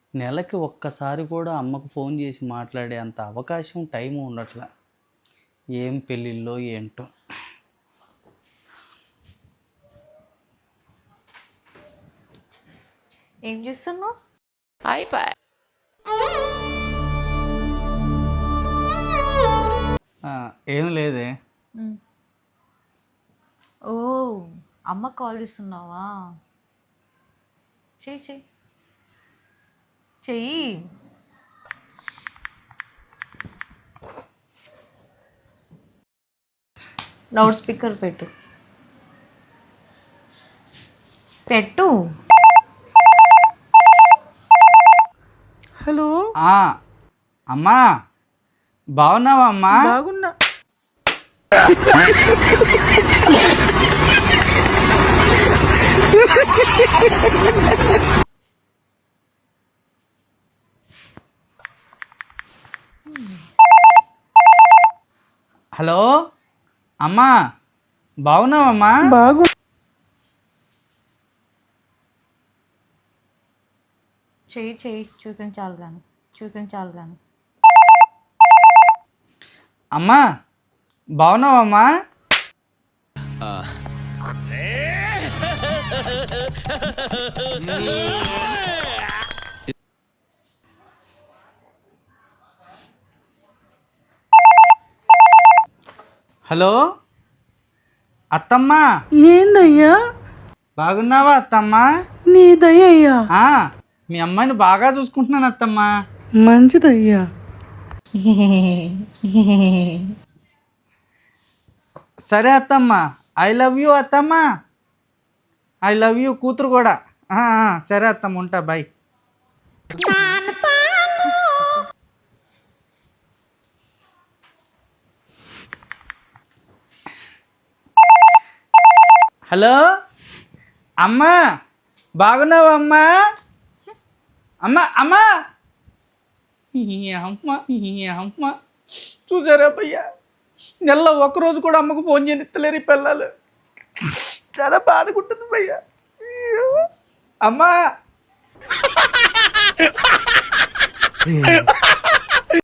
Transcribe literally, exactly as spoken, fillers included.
నెలకి ఒక్కసారి కూడా అమ్మకు ఫోన్ చేసి మాట్లాడే అంత అవకాశం టైము ఉండట్లా. ఏం పెళ్ళిళ్ళో ఏంటో. ఏం చేస్తున్నావు? అయిపోయి ఏం లేదే. ఓ అమ్మ కాల్ చేస్తున్నావా? చెయ్యి చెయ్యి చెయ్యి. లౌడ్ స్పీకర్ పెట్టు పెట్టు. హలో, అమ్మా బాగున్నావా అమ్మా? బాగున్నా. హలో అమ్మా బాగున్నావమ్మా? బాగు చెయ్యి చెయ్యి చూసిన చాలు కానీ చూసిన చాలు కానీ. అమ్మా బాగున్నావమ్మా? హలో అత్తమ్మా ఏందయ్యా? బాగున్నావా అత్తమ్మా? నీదయ్యా? ఆ, మీ అమ్మాయిని బాగా చూసుకుంటున్నాను అత్తమ్మా. మంచిదయ్యా. సరే అత్తమ్మా, ఐ లవ్ యూ అత్తమ్మా. ఐ లవ్ యూ కూతురు కూడా. ఆ, ఆ, సరే అత్తమ్మ ఉంటా, బాయ్. హలో అమ్మా బాగున్నావా అమ్మా? అమ్మా అమ్మా ఈ అమ్మ ఈ అమ్మ చూసారా భయ్యా, నెలలో ఒక్కరోజు కూడా అమ్మకు ఫోన్ చేయనిస్తలేరు ఈ పిల్లలు. చాలా బాధకుంటుంది భయ్యా. అమ్మా